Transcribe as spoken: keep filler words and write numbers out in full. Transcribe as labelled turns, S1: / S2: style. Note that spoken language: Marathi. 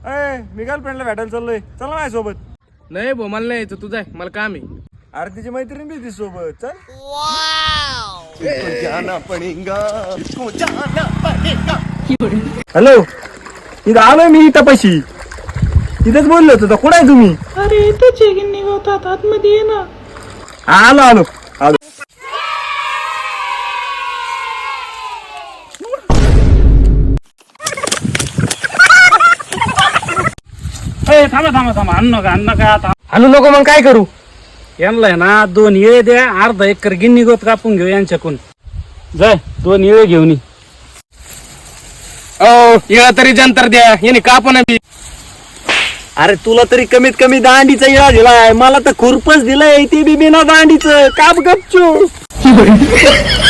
S1: अय मी गर्लफ्रेंडला भेटायला चाललोय, चला माझ्यासोबत.
S2: नाही भाऊ मला नाही यायचं, तू जाय, मला काम आहे.
S1: अरे तिची मैत्रीण बी ती सोबत, चल. हॅलो, इथं आलोय मी इथं पशी. तिथेच बोललो होतो, कुठे आहे तुम्ही?
S3: अरे इथंच आहे गिन्नी गवतात, आतमध्ये ये ना.
S1: आलो आलो आलो.
S3: थांबा थांबा थांबा, अन्न नका अन्न नका आता.
S2: आणू नको मग काय करू?
S3: यांना ना दोन इळे द्या, अर्धा एकर गिन्नी गवत कापून घेऊ यांच्याकडून. जाय दोन इळे घेऊन ये.
S2: ओ इळा तरी जंतर द्या, याने कापण बी.
S1: अरे तुला तरी कमीत कमी दांडीचा इळा दिलाय, मला तर खुरपच दिलाय, ते बी बिना दांडीचं. काप गपचू.